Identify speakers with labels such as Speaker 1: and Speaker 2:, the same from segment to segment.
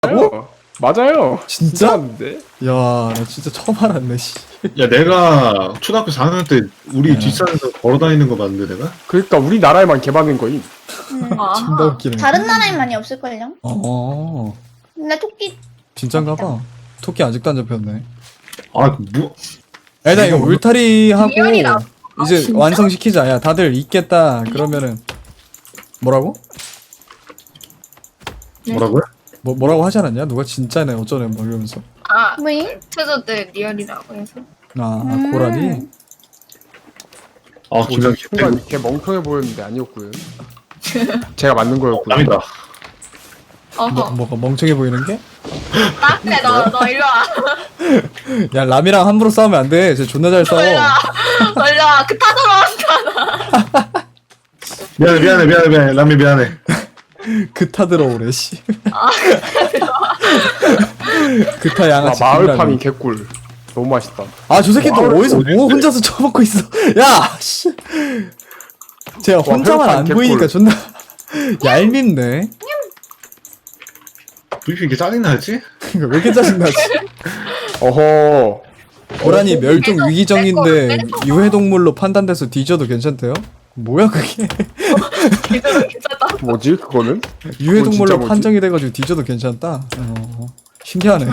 Speaker 1: 뭐? 맞아요.
Speaker 2: 진짜?
Speaker 1: 맞는데?
Speaker 2: 야, 나 진짜 처음 알았네, 씨.
Speaker 3: 야, 내가 초등학교 4학년 때 우리
Speaker 2: 야.
Speaker 3: 뒷산에서 걸어다니는 거 봤는데 내가?
Speaker 1: 그러니까 우리나라에만 개발된 거임.
Speaker 2: 존나 웃기네.
Speaker 4: 다른 나라에 많이 없을걸요?
Speaker 2: 어,
Speaker 4: 근데 토끼
Speaker 2: 진짠가 봐. 토끼 아직도 안 잡혔네.
Speaker 3: 아, 뭐,
Speaker 2: 일단 이거 울타리 하고
Speaker 5: 리얼이라.
Speaker 2: 이제
Speaker 5: 진짜?
Speaker 2: 완성시키자. 야, 다들 있겠다. 그러면은 뭐라고?
Speaker 3: 뭐라고요?
Speaker 2: 뭐라고 하지 않았냐? 누가 진짜네 어쩌네 뭐 이러면서.
Speaker 5: 아,
Speaker 4: 뭐임?
Speaker 5: 최저들 리얼이라고 해서.
Speaker 2: 아,
Speaker 4: 음.
Speaker 2: 고라니?
Speaker 3: 아, 김장
Speaker 1: 순간 이렇게 멍청해 보였는데 아니었고요. 제가 만든 거였고요.
Speaker 3: 남이다.
Speaker 5: 어허.
Speaker 2: 뭐가 멍청해 보이는 게?
Speaker 5: 그래, 너 일로 와.
Speaker 2: 야, 람이랑 함부로 싸우면 안 돼. 쟤 존나 잘 싸워.
Speaker 5: 일로 와. 그 타들어왔다.
Speaker 3: 미안해. 남이 미안해.
Speaker 2: 그타 들어오래, 씨. 그타 양아치.
Speaker 1: 마을
Speaker 2: 김라미.
Speaker 1: 파밍 개꿀. 너무 맛있다.
Speaker 2: 아, 저 새끼 또
Speaker 3: 마을
Speaker 2: 어디서
Speaker 3: 어딘데?
Speaker 2: 뭐 혼자서 처먹고 있어. 야, 씨. 제가 혼자만
Speaker 1: 회복한
Speaker 2: 안
Speaker 1: 개꿀.
Speaker 2: 보이니까 존나 얄밉네.
Speaker 3: 왜 이렇게 짜증나지?
Speaker 2: 왜 이렇게 짜증나지?
Speaker 1: 어허.
Speaker 2: 고라니 멸종
Speaker 5: 계속
Speaker 2: 위기종인데
Speaker 5: 계속
Speaker 2: 유해동물로 판단돼서 뒤져도 괜찮대요? 뭐야 그게?
Speaker 5: 괜찮다.
Speaker 1: 뭐지 그거는?
Speaker 2: 유해동물로
Speaker 1: 진짜 뭐지?
Speaker 2: 판정이 돼가지고 뒤져도 괜찮다? 신기하네.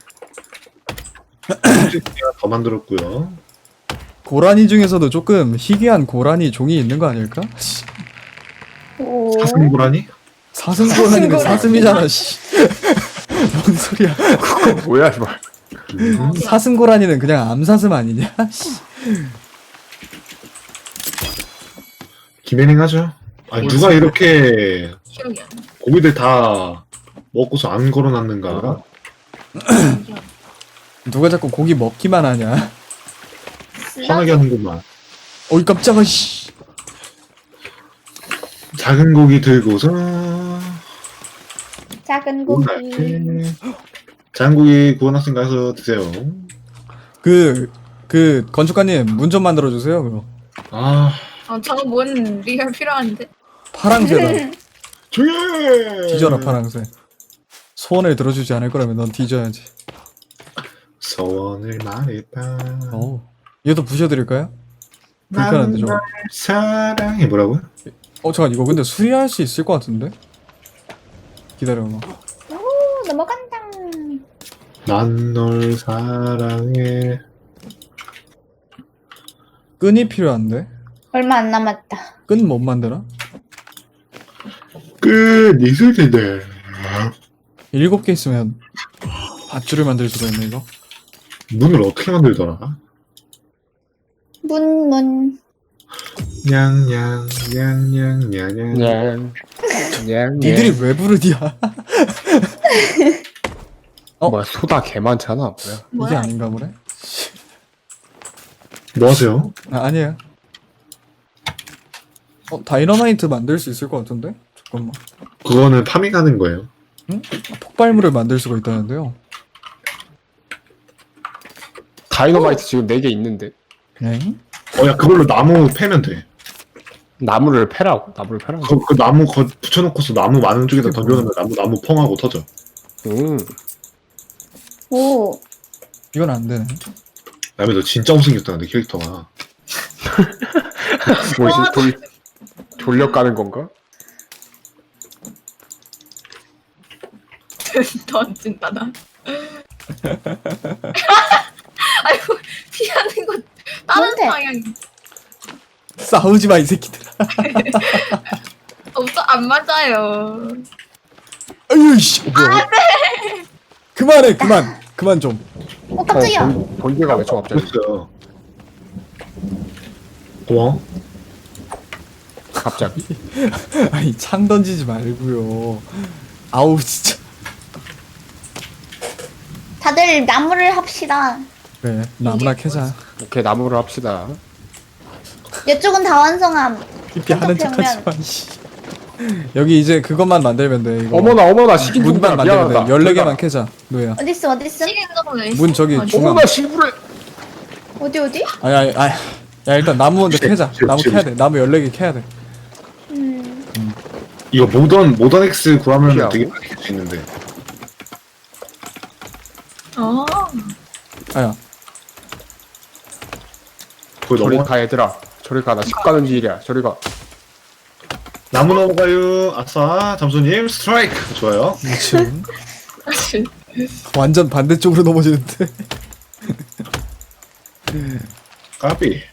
Speaker 3: 제가 더 만들었고요.
Speaker 2: 고라니 중에서도 조금 희귀한 고라니 종이 있는 거 아닐까? 씨,
Speaker 4: 오.
Speaker 3: 사슴고라니?
Speaker 2: 사슴고라니는 사슴이잖아, 씨. 뭔 소리야?
Speaker 1: 그거 뭐야 이말.
Speaker 2: 사슴고라니는 그냥 암사슴 아니냐? 씨.
Speaker 3: 김혜ning 하죠. 아니, 누가 이렇게
Speaker 5: 기억이 안 나.
Speaker 3: 고기들 다 먹고서 안 걸어놨는가?
Speaker 2: 누가 자꾸 고기 먹기만 하냐?
Speaker 3: 화나게 하는구만.
Speaker 2: 어이 깜짝아, 씨.
Speaker 3: 작은 고기 들고서
Speaker 4: 작은 고기.
Speaker 3: 오늘 작은 고기 구워놨으니 가서 드세요.
Speaker 2: 그 건축가님 문 좀 만들어 주세요. 그럼
Speaker 3: 아,
Speaker 5: 저거 뭔 리얼 필요한데?
Speaker 2: 파랑새다.
Speaker 3: 조용해!
Speaker 2: 뒤져라 파랑새. 소원을 들어주지 않을 거라면 넌 뒤져야지.
Speaker 3: 소원을 말해봐.
Speaker 2: 얘도 부셔드릴까요? 불편한데 저거.
Speaker 3: 사랑해. 뭐라고요?
Speaker 2: 잠깐 이거 근데 수리할 수 있을 것 같은데? 기다려봐.
Speaker 4: 오, 넘어간다.
Speaker 3: 난 널 사랑해.
Speaker 2: 끈이 필요한데?
Speaker 4: 얼마 안 남았다.
Speaker 2: 끈 못 만드나?
Speaker 3: 끝 있을 텐데.
Speaker 2: 7개 있으면 밧줄을 만들 수가 있네 이거.
Speaker 3: 문을 어떻게 만들더라?
Speaker 4: 문.
Speaker 3: 냥냥냥냥냥냥.
Speaker 1: 냥. 냥.
Speaker 2: 니들이 왜 부르디야?
Speaker 1: 뭐야 소다 개 많잖아. 뭐야?
Speaker 2: 이게
Speaker 5: 뭐야?
Speaker 2: 아닌가 보네?
Speaker 3: 뭐 하세요?
Speaker 2: 아니에요. 다이너마이트 만들 수 있을 것 같은데? 잠깐만.
Speaker 3: 그거는 파밍하는 거예요.
Speaker 2: 폭발물을 만들 수가 있다는데요.
Speaker 1: 다이너마이트 지금 4개 있는데
Speaker 2: 네?
Speaker 3: 야, 그걸로 나무 패면 돼.
Speaker 1: 나무를 패라고? 나무를 패라고?
Speaker 3: 그 나무 붙여놓고서 나무 많은 쪽에다 던져놓으면 나무 펑하고 터져.
Speaker 4: 오.
Speaker 2: 이건 안 되네.
Speaker 3: 다음에 너 진짜 못생겼다, 근데 캐릭터가.
Speaker 1: 뭐지 돌려 까는 건가?
Speaker 5: 던진다, 나. 아이고, 피하는 거 다른
Speaker 4: 뭔데?
Speaker 5: 방향이.
Speaker 2: 싸우지 마 이 새끼들아.
Speaker 5: 없어, 안 맞아요.
Speaker 2: 아유 씨. 뭐야? 그만 좀.
Speaker 4: 깜짝이야.
Speaker 1: 번개가 왜 저 갑자기?
Speaker 3: 됐어요. 고마워.
Speaker 1: 갑자기?
Speaker 2: 아니 창 던지지 말고요. 아우 진짜.
Speaker 4: 다들 나무를 합시다.
Speaker 2: 그래 나무나 캐자.
Speaker 1: 오케이 나무를 합시다.
Speaker 4: 이쪽은 다 완성함.
Speaker 2: 이렇게 하는
Speaker 4: 어떡해,
Speaker 2: 척하지마. 씨. 여기 이제 그것만 만들면 돼. 이거.
Speaker 1: 어머나 시킨
Speaker 2: 문만
Speaker 1: 종류야.
Speaker 2: 만들면 돼.
Speaker 1: 미안하다.
Speaker 2: 14개만 캐자. 노예야.
Speaker 4: 어딨어?
Speaker 5: 시계 정도는
Speaker 2: 문 저기
Speaker 5: 있어.
Speaker 2: 중앙.
Speaker 1: 어머나 시부레.
Speaker 4: 어디?
Speaker 2: 아니. 야 일단 나무 먼저 캐자. 나무 캐야 돼. 나무 14개 캐야 돼.
Speaker 4: 음.
Speaker 3: 이거 모던 X 구하면
Speaker 1: 피하고.
Speaker 3: 되게 많이 캘 수 있는데.
Speaker 5: 어.
Speaker 2: 아야.
Speaker 3: 거기
Speaker 1: 저리
Speaker 3: 넘어.
Speaker 1: 가 얘들아. 저리 가. 나 집 가는 길이야. 저리 가.
Speaker 3: 나무 넘어가요. 아싸, 잠수님 스트라이크. 좋아요.
Speaker 2: 미친. 완전 반대쪽으로 넘어지는데.
Speaker 3: 까비.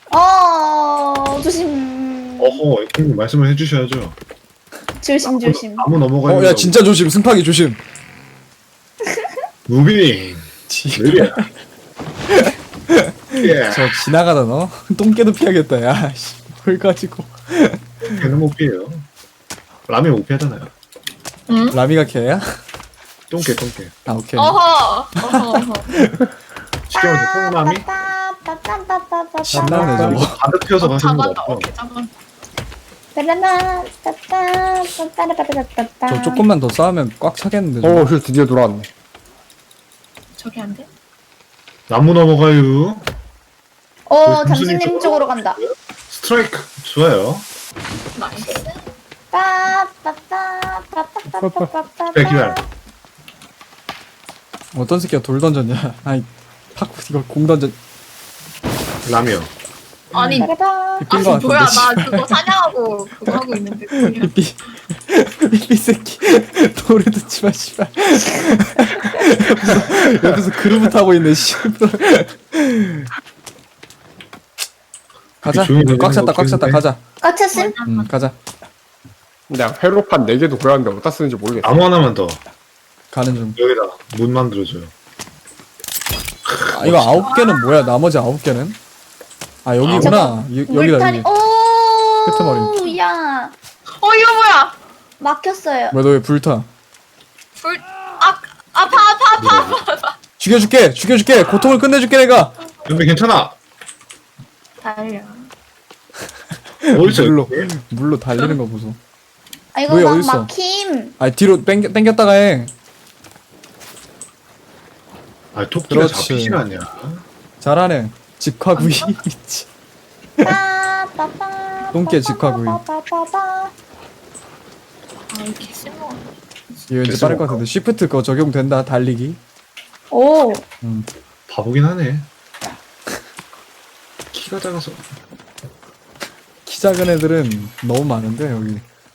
Speaker 4: 조심.
Speaker 3: 어허, 형님 말씀을 해주셔야죠.
Speaker 4: 조심.
Speaker 3: 나무 넘어가요.
Speaker 2: 야 진짜 조심. 승파기 조심.
Speaker 3: 무빙. 느려. 예.
Speaker 2: 저 지나가다 너 똥개도 피하겠다. 야 씨. 뭘 가지고.
Speaker 3: 걔는 못 피해요. 라면 못 피하잖아요.
Speaker 5: 응?
Speaker 2: 라미가 개야?
Speaker 3: 똥개.
Speaker 2: 아 오케이.
Speaker 5: 어허.
Speaker 3: 쉽게 말해서 똥라미?
Speaker 2: 신나네 저거.
Speaker 3: 가득 피워서 가시는 거
Speaker 5: 잡았다.
Speaker 3: 없어.
Speaker 5: 오케이 잡았다.
Speaker 2: 저 조금만 더 싸우면 꽉 차겠는데. 저거.
Speaker 1: 힐 드디어 돌아왔네.
Speaker 5: 저기 안 돼?
Speaker 3: 나무 넘어가요.
Speaker 4: 잠수님 쪽으로 간다.
Speaker 3: 스트라이크. 좋아요.
Speaker 5: 나이스.
Speaker 3: 기다려.
Speaker 2: 어떤 새끼가 돌 던졌냐? 아니 팍 이거 공 던졌.
Speaker 3: 라면.
Speaker 5: 아니.
Speaker 2: 삐인 거
Speaker 5: 아니
Speaker 2: 같은데.
Speaker 5: 뭐야
Speaker 2: 씨.
Speaker 5: 나 그거 사냥하고 그거 하고 있는데 그냥.
Speaker 2: 삐 새끼 돌을 듣지 마 씨발. 옆에서 그루브 타고 있네 씨발. 가자.
Speaker 3: 조용히
Speaker 2: 꽉 찼다 꽉 찼다
Speaker 3: 되는
Speaker 2: 가자.
Speaker 4: 까쳤음?
Speaker 2: 가자.
Speaker 1: 내가 회로판 4개도 고였는데 어디다 쓰는지 모르겠어.
Speaker 3: 나무 하나만 더.
Speaker 2: 가는 중.
Speaker 3: 여기다 문 만들어줘요.
Speaker 2: 아, 이거 9개는 뭐야? 나머지 9개는? 아 여기구나. 여기다
Speaker 4: 물타리.
Speaker 2: 여기. 끄트머리.
Speaker 4: 야
Speaker 5: 이거 뭐야?
Speaker 4: 막혔어요.
Speaker 2: 왜 너 왜 불타?
Speaker 5: 아파.
Speaker 2: 죽여줄게. 고통을 끝내줄게 내가.
Speaker 3: 근데 괜찮아.
Speaker 5: 달려.
Speaker 3: 어디서
Speaker 2: 물로 달리는 거 보소.
Speaker 4: 이거
Speaker 2: 너희
Speaker 4: 막
Speaker 2: 어딨어?
Speaker 4: 막힘.
Speaker 2: 아 뒤로 당겼다가 해.
Speaker 3: 아 토끼가
Speaker 2: 그렇지.
Speaker 3: 잡히지가 않냐.
Speaker 2: 잘하네. 직화구이. 미치. 똥개 직화구이.
Speaker 5: 이렇게 심어.
Speaker 2: 이거 왠지 빠를 것 같은데. 쉬프트 그거 적용된다. 달리기.
Speaker 4: 오.
Speaker 3: 바보긴 하네. 키가 작아서.
Speaker 2: 키 작은 애들은 너무 많은데 여기.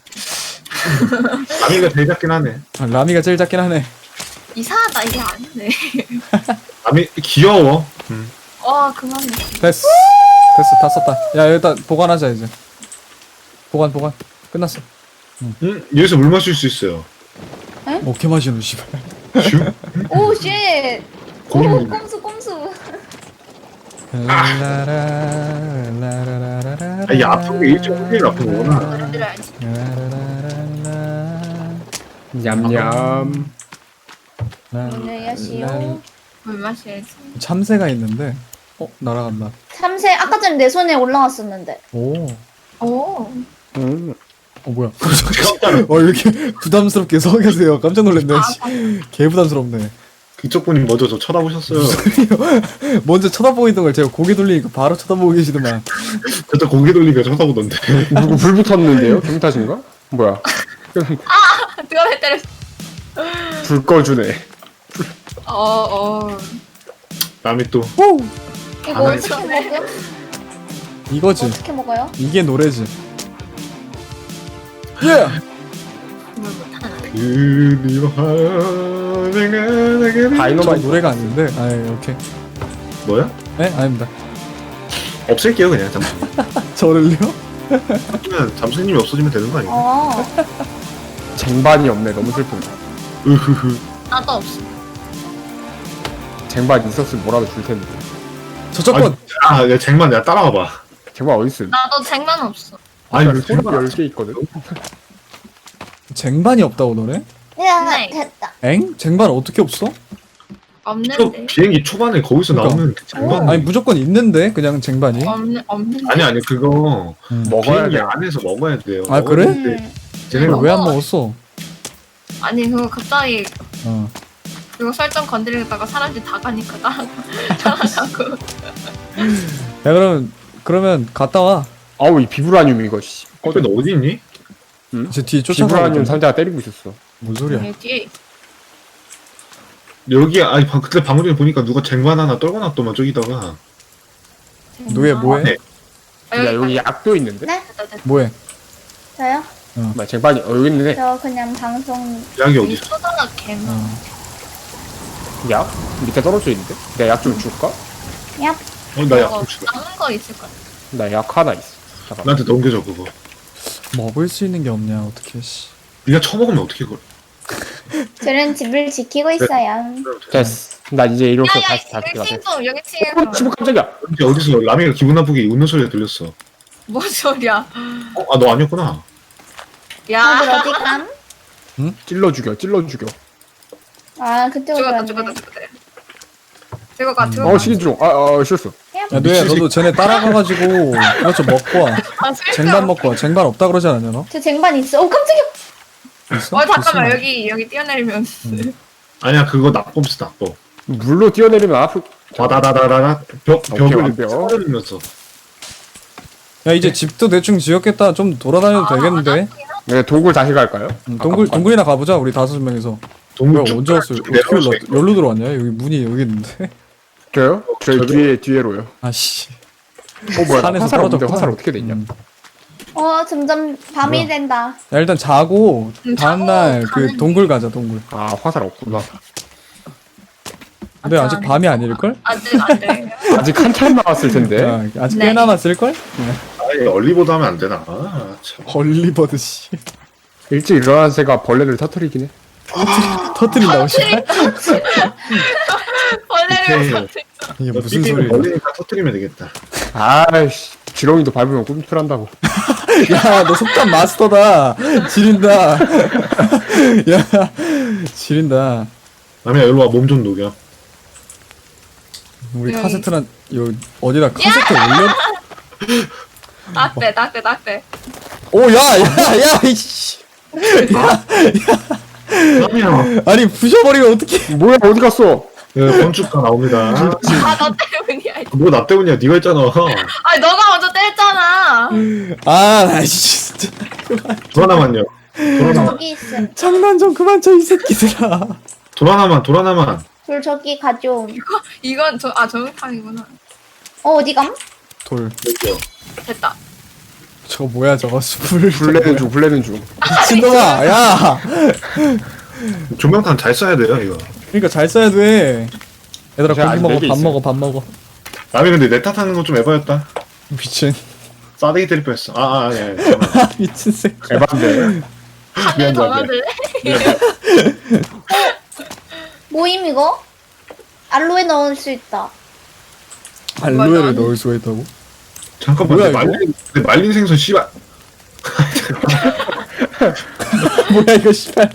Speaker 3: 라미가 제일 작긴 하네.
Speaker 2: 아, 라미가 제일 작긴 하네.
Speaker 5: 이상하다 이게 아니네.
Speaker 3: 라미 귀여워.
Speaker 5: 그만해.
Speaker 2: 됐어 다 썼다. 야 여기다 보관하자 이제. 보관 끝났어.
Speaker 3: 여기서 물 마실 수 있어요.
Speaker 2: 어케 마시노 씨발.
Speaker 3: 슈?
Speaker 4: 오 쉣. 오
Speaker 3: 고민.
Speaker 4: 꼼수.
Speaker 3: 이 아픈 게 일정 일이 아픈 거구나.
Speaker 5: 들어야지.
Speaker 1: 냠냠.
Speaker 4: 안녕하시오.
Speaker 5: 물 마셔야지.
Speaker 2: 참새가 있는데. 날아간다.
Speaker 4: 참새 아까 전에 내 손에 올라왔었는데.
Speaker 2: 오.
Speaker 5: 오.
Speaker 2: 뭐야? 왜 이렇게 부담스럽게 서 계세요? 깜짝 놀랐네. 씨. 개 부담스럽네.
Speaker 3: 그쪽 분이 먼저 저 쳐다보셨어요.
Speaker 2: 먼저 쳐다보이던 걸 제가 고개 돌리니까 바로 쳐다보고 계시더만.
Speaker 3: 저도 고개 돌리니까 쳐다보던데.
Speaker 1: 누구 불 붙었는데요? 경탓인가 뭐야?
Speaker 5: 누가 왜 때렸어?
Speaker 1: 불 꺼주네.
Speaker 3: 라미 또
Speaker 4: 이거
Speaker 3: 안
Speaker 4: 어떻게 먹음?
Speaker 2: 이거지.
Speaker 4: 어떻게 먹어요?
Speaker 2: 이게 노래지. 예!
Speaker 5: 물 못하나?
Speaker 3: 그리워
Speaker 2: 저
Speaker 1: 다이너마이트.
Speaker 2: 노래가 아닌데. 아, 오케이.
Speaker 3: 뭐야?
Speaker 2: 네? 아닙니다.
Speaker 3: 없앨게요 그냥.
Speaker 2: 저를요?
Speaker 3: 잠수님이 없어지면 되는 거 아닌가?
Speaker 1: 쟁반이 없네. 너무 슬픈데.
Speaker 3: 으흐흐.
Speaker 5: 나도 없어.
Speaker 1: 쟁반 있었으면 뭐라도 줄 텐데.
Speaker 2: 저작권!
Speaker 3: 야 쟁반 내가 따라와봐.
Speaker 1: 쟁반 어딨음?
Speaker 5: 나도 쟁반 없어.
Speaker 3: 아니 왜
Speaker 1: 소리
Speaker 3: 쟁반
Speaker 1: 10개 있거든.
Speaker 2: 쟁반이 없다고 너네?
Speaker 4: 야
Speaker 5: 네.
Speaker 4: 됐다.
Speaker 2: 엥? 쟁반 어떻게 없어?
Speaker 5: 없는데.
Speaker 3: 비행기 초반에 거기서
Speaker 2: 그러니까.
Speaker 3: 나오는 그 쟁반.
Speaker 2: 아니 무조건 있는데 그냥 쟁반이.
Speaker 5: 없는데.
Speaker 3: 아니 그거
Speaker 1: 먹어야
Speaker 3: 비행기
Speaker 1: 돼.
Speaker 3: 안에서 먹어야 돼요.
Speaker 2: 아, 그래?
Speaker 3: 쟤네
Speaker 2: 왜 안 먹었어?
Speaker 5: 아니 그거 갑자기
Speaker 2: 어.
Speaker 5: 그거 설정 건드리다가 사람들이 다 가니까 따라가고.
Speaker 2: 야 그러면 갔다 와.
Speaker 1: 아우 이 비브라늄 이거 씨.
Speaker 3: 꺼져 너 어디 있니?
Speaker 2: 제 뒤에 쫓아가고
Speaker 1: 비브라늄
Speaker 2: 있던데.
Speaker 1: 상자가 때리고 있었어.
Speaker 2: 뭔 소리야?
Speaker 5: 뒤에
Speaker 3: 여기 아니 그때 방금 전에 보니까 누가 쟁반 하나 떨궈 놨더만 저기다가.
Speaker 2: 너왜 뭐해?
Speaker 3: 네.
Speaker 5: 아,
Speaker 1: 야 여기 약도 있는데?
Speaker 4: 네?
Speaker 2: 뭐해?
Speaker 4: 저요?
Speaker 1: 뭐야 쟁반이 여기 있는데
Speaker 4: 저 그냥 방송
Speaker 3: 약이 어디
Speaker 5: 여기
Speaker 3: 있어?
Speaker 5: 소다가 개만.
Speaker 1: 약? 밑에 떨어져 있는데? 내가 약 좀 줄까?
Speaker 4: 얍.
Speaker 3: 나 약 좀 주라.
Speaker 5: 남은 거 있을 거야.
Speaker 1: 나 약 하나 있어 잠깐만
Speaker 3: 나한테 넘겨줘 그거.
Speaker 2: 먹을 수 있는 게 없냐 어떻게 씨.
Speaker 3: 네가 처먹으면 어떻게 그걸?
Speaker 4: 저는 집을 지키고 있어요.
Speaker 1: 됐어 나 이제 이렇게
Speaker 5: 야야
Speaker 1: 다시
Speaker 5: 여기
Speaker 1: 가자
Speaker 5: 친구 여기 친구.
Speaker 1: 친구 깜짝이야
Speaker 3: 어디서 라미가 기분 나쁘게 웃는 소리가 들렸어.
Speaker 5: 뭔 소리야?
Speaker 3: 아 너 아니었구나.
Speaker 4: 다들
Speaker 5: 야.
Speaker 4: 어디 감?
Speaker 1: 찔러 죽여 찔러 죽여
Speaker 4: 아 그쪽으로
Speaker 5: 죽었다
Speaker 4: 갔네.
Speaker 5: 죽었다. 들어가 들어가.
Speaker 1: 시기중 실수
Speaker 2: 야 뇌야 너도 쟤네 따라가가지고 그렇죠 먹고 와.
Speaker 5: 아, 쓸데없어.
Speaker 2: 쟁반 먹고 와. 쟁반 없다 그러지 않았냐 너?
Speaker 4: 저 쟁반 있어. 오 깜짝이야.
Speaker 2: 있어?
Speaker 5: 잠깐만
Speaker 2: 있으면.
Speaker 5: 여기 뛰어내리면.
Speaker 3: 아니야 그거 나쁨스 나빠.
Speaker 1: 물로 뛰어내리면 아프
Speaker 3: 와다다다다다 벽을
Speaker 1: 완벽.
Speaker 3: 쳐버리면서.
Speaker 2: 야 이제 집도 대충 지었겠다. 좀 돌아다녀도 되겠는데?
Speaker 1: 네 동굴 다시 갈까요?
Speaker 2: 동굴이나 가보자 우리 5명이서.
Speaker 3: 동물
Speaker 2: 뭐야 언제 왔어? 어떻게 여기로 들어왔냐? 여기 문이 여기 있는데?
Speaker 1: 저요? 저희 뒤에로요
Speaker 2: 아씨.
Speaker 1: 뭐야
Speaker 2: 산에서
Speaker 1: 화살 없는데
Speaker 2: 떨어졌구나.
Speaker 1: 화살 어떻게 됐냐
Speaker 4: 점점 밤이
Speaker 2: 뭐야?
Speaker 4: 된다.
Speaker 2: 야 일단 자고 다음날
Speaker 5: 자고
Speaker 2: 그
Speaker 5: 가는
Speaker 2: 동굴 가자 동굴.
Speaker 1: 아 화살 없구나
Speaker 2: 근데 아직 밤이 아닐걸?
Speaker 5: 안돼 안돼.
Speaker 1: 아직 한참 남았을 텐데
Speaker 2: 야, 아직
Speaker 5: 네.
Speaker 2: 꽤 남았을걸?
Speaker 3: 아니 얼리보드 하면 안 되나? 아 참.
Speaker 2: 헐리버드 씨.
Speaker 1: 일찍 일어난 새가 벌레를 터뜨리긴 해
Speaker 2: 터뜨린다고 씨.
Speaker 5: 벌레를
Speaker 2: 이게
Speaker 3: 너
Speaker 2: 무슨
Speaker 3: 삐삐는
Speaker 2: 소리야?
Speaker 3: 버리니까 터뜨리면 되겠다.
Speaker 1: 아이씨 지렁이도 밟으면 꿈틀한다고
Speaker 2: 야, 너 속담 마스터다. 지린다. 야, 지린다.
Speaker 3: 라미야 일로 와 몸 좀 녹여.
Speaker 2: 우리
Speaker 5: 여기.
Speaker 2: 카세트란 요 어디다 카세트 올려?
Speaker 5: 낙대.
Speaker 2: 오, 야, 이씨.
Speaker 3: 라미야
Speaker 2: 아니 부셔버리면 어떡해?
Speaker 1: 뭐야 어디 갔어
Speaker 3: 건축가 나옵니다.
Speaker 5: 아너 때문이야.
Speaker 3: 뭐 나 때문이야 네가 했잖아.
Speaker 5: 아니 너가 먼저 때렸잖아.
Speaker 2: 아, 나 진짜
Speaker 3: 돌아나만요. 돌아나만.
Speaker 4: 저기 있음.
Speaker 2: 장난 좀 그만 쳐 이 새끼들아.
Speaker 3: 돌아나만.
Speaker 4: 돌 저기 가져.
Speaker 5: 이건 정육탕이구나.
Speaker 4: 어디 감?
Speaker 2: 돌.
Speaker 3: 여기요.
Speaker 5: 됐다.
Speaker 2: 저거 뭐야 저거 불.
Speaker 1: 블레는 중
Speaker 2: 미친놈아, 야.
Speaker 3: 조명탄 잘 써야 돼요 이거.
Speaker 2: 그러니까 잘 써야 돼. 얘들아
Speaker 1: 제가
Speaker 2: 고기
Speaker 1: 아직
Speaker 2: 먹어,
Speaker 1: 네개
Speaker 2: 밥
Speaker 1: 있어요.
Speaker 2: 먹어, 밥 먹어.
Speaker 3: 라미 근데 내 탓하는 건 좀 에바였다.
Speaker 2: 미친.
Speaker 3: 싸대기 때릴 뻔했어. 예.
Speaker 2: 미친 새끼.
Speaker 1: 에반데
Speaker 5: 하늘 더 만들래?
Speaker 4: 모임 이거? 알로에 넣을 수 있다.
Speaker 2: 알로에를 넣을 수가 있다고?
Speaker 3: 잠깐만.
Speaker 2: 뭐야,
Speaker 3: 내 말린 생선 씨발.
Speaker 2: 뭐야 이거 씨발.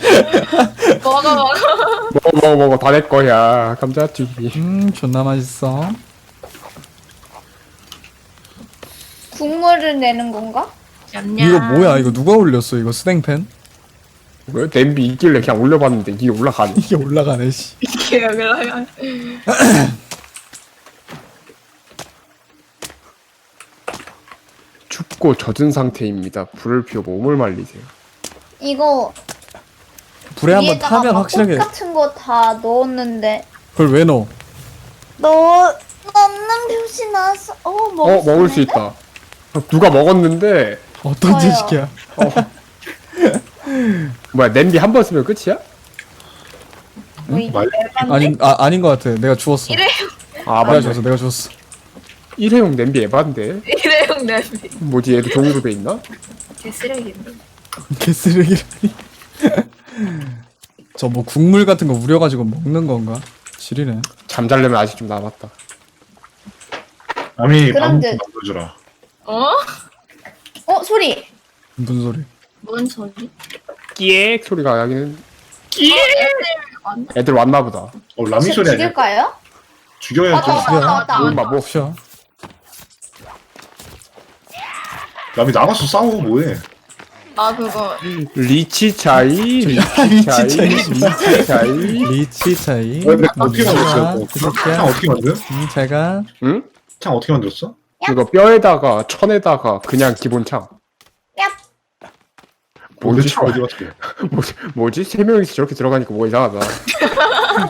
Speaker 5: 먹어.
Speaker 1: 먹어 다 내 거야 감자튀김
Speaker 2: 존나 맛있어.
Speaker 4: 국물을 내는 건가?
Speaker 5: 냠냠.
Speaker 2: 이거 뭐야? 이거 누가 올렸어? 이거 스탱팬?
Speaker 1: 왜 냄비 있길래 그냥 올려봤는데 이게 올라가네
Speaker 2: 이게 올라가네 씨.
Speaker 5: 이게 올라가.
Speaker 1: 춥고 젖은 상태입니다 불을 피워 몸을 말리세요
Speaker 4: 이거
Speaker 2: 불에 한번
Speaker 4: 위에다가
Speaker 2: 타면
Speaker 4: 막
Speaker 2: 확실하게.
Speaker 4: 꽃 같은 거 다 넣었는데
Speaker 2: 그걸 왜 넣어?
Speaker 4: 넣는 표시 나왔어.
Speaker 1: 먹을 수 있다 누가 먹었는데
Speaker 2: 어떤
Speaker 4: 뭐야?
Speaker 2: 지식이야?
Speaker 1: 뭐야 냄비 한 번 쓰면 끝이야?
Speaker 4: 뭐 이게
Speaker 3: 말-
Speaker 4: 열받네?
Speaker 2: 아닌 것 같아. 내가 주웠어.
Speaker 5: 이래
Speaker 1: 아
Speaker 2: 내가
Speaker 1: 맞아
Speaker 2: 주웠어. 내가 주웠어.
Speaker 1: 일회용 냄비 에반데
Speaker 5: 이래용 냄비.
Speaker 1: 뭐지 얘도 종이로 돼 있나?
Speaker 5: 개 쓰레기인데.
Speaker 2: 개쓰레기라니. 저 뭐 국물 같은 거 우려가지고 먹는 건가? 지리네.
Speaker 1: 잠잘려면 아직 좀 남았다
Speaker 3: 라미
Speaker 4: 그럼
Speaker 3: 밥
Speaker 4: 이제-
Speaker 3: 만들어주라.
Speaker 4: 소리.
Speaker 2: 무슨 소리?
Speaker 5: 뭔 소리?
Speaker 1: 끼액 소리가 나기는
Speaker 5: 왔나?
Speaker 1: 애들 왔나 보다
Speaker 3: 라미 소리 아니야?
Speaker 4: 죽일까요?
Speaker 3: 죽여야지.
Speaker 4: 왔다.
Speaker 1: 뭐 뭐
Speaker 2: 쉬어.
Speaker 3: 라미 나가서 싸우고 뭐해?
Speaker 5: 나 그거
Speaker 1: 리치 차이 리치 차이 리치 차이
Speaker 2: 리치 차이.
Speaker 3: 근데 어떻게 만들었어요?
Speaker 2: 그
Speaker 3: 창
Speaker 2: 새끼야.
Speaker 3: 어떻게 만들?
Speaker 2: 제가
Speaker 1: 응?
Speaker 3: 창 어떻게 만들었어?
Speaker 1: 이거 뼈에다가 천에다가 그냥 기본 창
Speaker 4: 얍.
Speaker 1: 뭔지
Speaker 3: 창 어디 갔어?
Speaker 1: 뭐지? 세 명이서 저렇게 들어가니까 뭐 이상하다